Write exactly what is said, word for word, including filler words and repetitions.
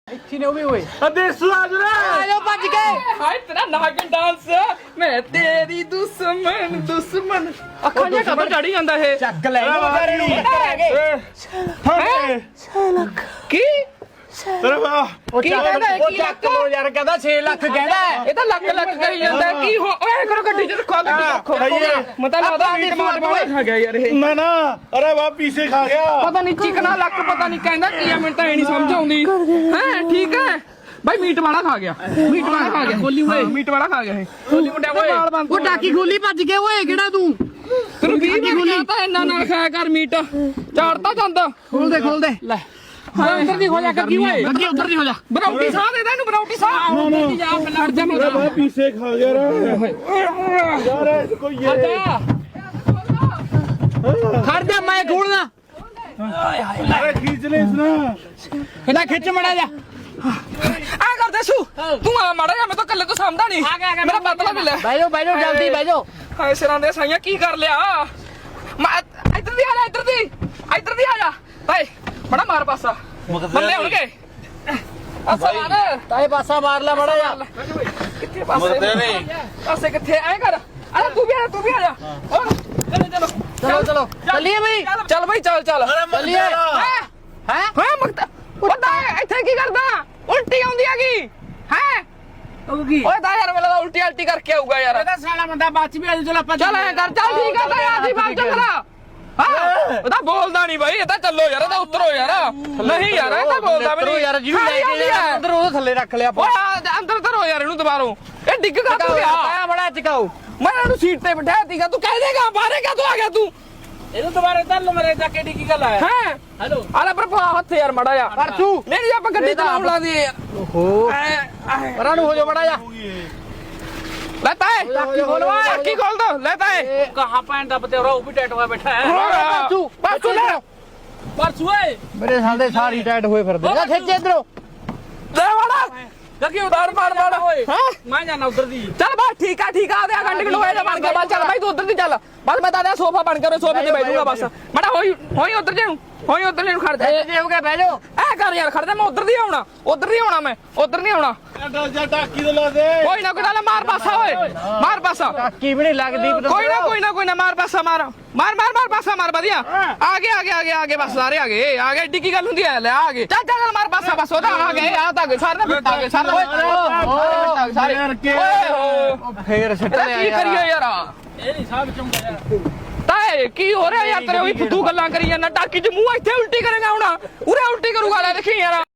ਇੱਥੇ ਨੇ ਉਹ ਵੀ ਓਏ ਦੇਸੂ ਆ ਜਰਾ ਆ ਜਾਓ ਭੱਜ ਕੇ ਹਾਏ ਤੇਰਾ ਨਾਗਨ ਡਾਂਸ ਮੈਂ ਤੇਰੀ ਦੁਸ਼ਮਣ ਦੁਸ਼ਮਣ ਅੱਖਾਂ ਜਿਹਾ ਕਦੋਂ ਚੜੀ ਜਾਂਦਾ ਇਹ ਚੱਕ ਲੈ ਇਹਨੂੰ ਵਿਚਾਰੇ ਨੂੰ ਕਿੱਥੇ ਰਹਿ ਗਏ ਹਾਂ ਕੀ ਤੇਰੇ ਵਾਹ ਉਹ ਕੀ ਚੱਕ ਕਹਿੰਦਾ ਹੈ? ਉਹ ਕੀ ਚੱਕ ਲੋ ਯਾਰ ਕਹਿੰਦਾ ਛੇ ਲੱਖ ਕਹਿੰਦਾ ਹੈ। ਇਹ ਤਾਂ ਲੱਕ ਲੱਕ ਕਰੀ ਜਾਂਦਾ ਕੀ ਹੋ ਓਏ ਕਰੋ ਗੱਡੀ ਚ ਰੱਖੋ ਗੱਡੀ ਚ ਰੱਖੋ ਮਤਾ ਲੱਗਦਾ ਮੀਟ ਮਾਰ ਮਾਰ ਖਾ ਗਿਆ ਯਾਰ ਇਹ ਨਾ ਨਾ ਅਰੇ ਵਾਹ ਪੀਸੇ ਖਾ ਗਿਆ ਪਤਾ ਨਹੀਂ ਚਿਕਨਾ ਲੱਕ ਪਤਾ ਨਹੀਂ ਕਹਿੰਦਾ ਕੀ ਆ ਮੈਨੂੰ ਤਾਂ ਇਹ ਨਹੀਂ ਸਮਝ ਆਉਂਦੀ ਹੈ ਠੀਕ ਹੈ ਭਾਈ ਮੀਟ ਵਾਲਾ ਖਾ ਗਿਆ ਮੀਟ ਵਾਲਾ ਖਾ ਗਿਆ ਖੋਲੀ ਓਏ ਮੀਟ ਵਾਲਾ ਖਾ ਗਿਆ ਇਹ ਖੋਲੀ ਮੁੰਡਿਆ ਓਏ ਉਹ ਟਾਕੀ ਖੋਲੀ ਭੱਜ ਕੇ ਓਏ ਕਿਹੜਾ ਤੂੰ ਤੈਨੂੰ ਵੀਹ ਵਾਰ ਕਿਹਾ ਤਾਂ ਇੰਨਾ ਨਾ ਖਾਇਆ ਕਰ ਮੀਟ ਝਾੜਦਾ ਜਾਂਦਾ ਖੋਲ ਦੇ ਖੋਲ ਦੇ ਲੈ ਹਾਂ ਉਧਰ ਦੀ ਹੋ ਜਾ ਕੱਗੀ ਓਏ ਅੱਗੇ ਉਧਰ ਦੀ ਹੋ ਜਾ ਬਰੌਟੀ ਸਾਹ ਦੇ ਦੇ ਇਹਨੂੰ ਬਰੌਟੀ ਸਾਹ ਉਧਰ ਦੀ ਜਾ ਪਹਿਲਾਂ ਹਟ ਜਾ ਅਰੇ ਵਾਹ ਪੀਸੇ ਖਾ ਗਿਆ ਰੇ ਯਾਰ ਇਹ ਕੋਈ ਹਟ ਇਹ ਜਾ ਖੜ ਜਾ ਮੈਂ ਖੋਲਣਾ ਅਰੇ ਖੀਂਚ ਲੈ ਇਸ ਨਾ ਇਹਦਾ ਖਿੱਚ ਮੜਾ ਜਾ ਆ ਕਰ ਦੇ ਸੂ ਤੂੰ ਆ ਮਾੜਾ ਜਾ ਮੈਂ ਤਾਂ ਕੱਲੇ ਤੋਂ ਸਮਝਦਾ ਨਹੀਂ ਮੇਰਾ ਬਦਲਾ ਮਿਲਿਆ ਬਹਿ ਜਾਓ ਬਹਿ ਜਾਓ ਜਲਦੀ ਬਹਿ ਜਾਓ ਹਾਏ ਸਿਰਾਂ ਦੇ ਸਾਈਆਂ ਕੀ ਕਰ ਲਿਆ ਮੈਂ ਇੱਧਰ ਦੀ ਆ ਜਾ ਇੱਧਰ ਦੀ ਇੱਧਰ ਦੀ ਆ ਜਾ ਭਾਈ ਬੜਾ ਮਾਰ ਪਾਸਾ ਮੱਲੇ ਹੋਣਗੇ ਅਸਾ ਮਾਰ ਤਾਏ ਪਾਸਾ ਮਾਰ ਲੈ ਮੜਾ ਜਾ ਕਿੱਥੇ ਪਾਸੇ ਪਾਸੇ ਕਿੱਥੇ ਐ ਕਰ ਅਰੇ ਤੂੰ ਵੀ ਆ ਜਾ ਤੂੰ ਵੀ ਆ ਜਾ ਹੋਰ ਚਲੋ ਚਲੋ ਚਲੋ ਚਲੋ ਚੱਲੀਏ ਬਈ ਚੱਲ ਬਈ ਚੱਲ ਚੱਲ ਚੱਲੀਏ ਹੈ ਹੈ ਹਾਂ ਮਗਤਾ ਪਤਾ ਇੱਥੇ ਕੀ ਕਰਦਾ ਉਲਟੀ ਆਉਂਦੀ ਹੈਗੀ ਹੈ ਉਹ ਕੀ ਓਏ ਦਾ ਯਾਰ ਮੇਰਾ ਉਲਟੀ ਉਲਟੀ ਕਰਕੇ ਆਊਗਾ ਯਾਰ ਇਹਦਾ ਸਾਲਾ ਬੰਦਾ ਬਾਅਦ ਵੀ ਆ ਚਲ ਆਪਾਂ ਚੱਲ ਐ ਕਰ ਚੱਲ ਠੀਕ ਆ ਤਾਂ ਯਾਰ ਦੀ ਬਾਤ ਚੱਲ ਹਾਂ ਇਹਦਾ ਬੋਲਦਾ ਨਹੀਂ ਬਾਈ ਇਹ ਤਾਂ ਚੱਲੋ ਯਾਰ ਇਹਦਾ ਉਤਰੋ ਯਾਰ ਨਹੀਂ ਯਾਰ ਇਹ ਤਾਂ ਬੋਲਦਾ ਵੀ ਨਹੀਂ ਯਾਰ ਜਿਹਨੂੰ ਲੈ ਕੇ ਅੰਦਰ ਉਹ ਥੱਲੇ ਰੱਖ ਲਿਆ ਓਏ ਆ, ਅੰਦਰ ਧਰੋ ਯਾਰ ਇਹਨੂੰ ਦੁਬਾਰੋਂ ਇਹ ਡਿੱਗ ਕਾ ਤੂੰ ਗਿਆ ਤਾਇਆ ਬੜਾ ਚਕਾਓ ਮੈਂ ਇਹਨੂੰ ਸੀਟ ਤੇ ਬਿਠਾਇਆ ਸੀਗਾ ਤੂੰ ਕਹਿ ਦੇਗਾ ਬਾਹਰੇ ਕਾ ਤੂੰ ਆ ਗਿਆ ਤੂੰ ਇਹਨੂੰ ਦੁਬਾਰਾ ਧਰ ਲੋ ਮੇਰੇ ਜਾ ਕਿਹੜੀ ਕੀ ਗੱਲ ਹੈ ਹੈ ਹੈਲੋ ਆਲਾ ਪਰ ਪਾ ਹੱਥ ਯਾਰ ਮੜਾ ਜਾ ਪਰ ਤੂੰ ਨਹੀਂ ਆਪਾਂ ਗੱਡੀ ਚਲਾਉਣ ਲਾ ਦੀ ਓਹੋ ਪਰਾਂ ਨੂੰ ਹੋ ਜਾ ਮੜਾ ਜਾ ਲੈ ਤਾਏ ਟਾਕੀ ਖੋਲਵਾ ਟਾਕੀ ਖੋਲ ਦੋ ਲੈ ਤਾਏ ਕਹਾਂ ਪੈਣ ਦਾ ਬਤੇਰਾ ਉਹ ਵੀ ਟੈਟ ਹੋਇਆ ਬੈਠਾ ਹੈ ਪਰਸੂ ਪਰਸੂ ਲੈ ਪਰਸੂ ਏ ਮੇਰੇ ਸਾਲ ਸਾਰੀ ਟੈਟ ਹੋਏ ਫਿਰਦੇ ਜਾ ਖਿੱਚ ਇਧਰੋਂ ਲੈ ਵਾੜਾ ਲੱਗੀ ਬਾਰ ਬਾਰ ਬਾਰ ਹਾਂ ਮੈਂ ਜਾਣਾ ਉਧਰ ਦੀ ਚੱਲ ਬਸ ਠੀਕ ਆ ਠੀਕ ਆ ਆਧੇ ਘੰਟੇ ਕਿਲੋ ਹੋਇਆ ਬਣ ਗਿਆ ਬਸ ਚੱਲ ਬਾਈ ਤੂੰ ਉਧਰ ਦੀ ਚੱਲ ਬਸ ਮੈਂ ਤਾਂ ਆਧਾ ਸੋਫਾ ਬਣ ਕੇ ਸੋਫੇ ਤੇ ਬੈਠ ਜਾਊਗਾ ਬਸ ਮੜਾ ਹੋਈ ਹੋਈ ਉਧਰ ਜੇ ਨੂੰ ਹੋਈ ਉਧਰ ਜੇ ਨੂੰ ਖੜ ਜਾ ਜੇ ਹੋ ਗਿਆ ਬਹਿ ਜਾਓ ਐ ਕਰ ਯਾਰ ਖੜ ਜਾ ਮੈਂ ਉਧਰ ਦੀ ਆਉਣਾ ਉਧਰ ਨਹੀਂ ਆਉਣਾ ਮੈਂ ਉਧਰ ਨਹੀਂ ਆਉਣਾ ਡਲ ਜਾ ਟਾਕੀ ਤੇ ਲਾ ਦੇ ਕੋਈ ਨਾ ਕੋਈ ਨਾ ਮਾਰ ਪਾਸਾ ਓਏ ਮਾਰ ਪਾਸਾ ਟਾਕੀ ਵੀ ਨਹੀਂ ਲੱਗਦੀ ਕੋਈ ਨਾ ਕੋਈ ਨਾ ਕੋਈ ਨਾ ਮਾਰ ਪਾਸਾ ਮਾਰ ਮਾਰ ਮਾਰ ਮਾਰ ਪਾਸਾ ਮਾਰ ਵਧੀਆ ਆ ਗਏ ਆ ਗਏ ਆ ਗਏ ਆ ਗਏ ਬਸ ਸਾਰੇ ਆ ਗਏ ਆ ਗਏ ਏਡੀ ਕੀ ਗੱਲ ਹੁੰਦੀ ਹੈ ਲੈ ਆ ਗਏ ਚੱਲ ਚੱਲ ਮਾਰ ਪਾਸਾ ਬਸ ਉਹਦਾ ਆ ਗਏ ਆ ਤਾਂ ਗਏ ਸਾਰੇ ਫਿੱਟ ਆ ਗਏ ਸਾਰੇ ਓਏ ਸਾਰੇ ਓਏ ਹੋ ਫੇਰ ਸਿੱਟ ਇਹਦਾ ਲਿਆ ਕੀ ਕਰੀਏ ਯਾਰ ਇਹ ਨਹੀਂ ਸਾਬ ਚੁੰਗਾ ਯਾਰ ਤਾਏ ਕੀ ਹੋ ਰਿਹਾ ਯਾਰ ਤੇਰੇ ਉਹੀ ਫੁੱਦੂ ਗੱਲਾਂ ਕਰੀ ਜਾਂਦਾ ਟਾਕੀ 'ਚ ਮੂੰਹ ਇੱਥੇ ਉਲਟੀ ਕਰੇਗਾ ਹੁਣ ਉਰੇ ਉਲਟੀ ਕਰੂਗਾ ਲੈ ਦੇਖੀ ਯਾਰ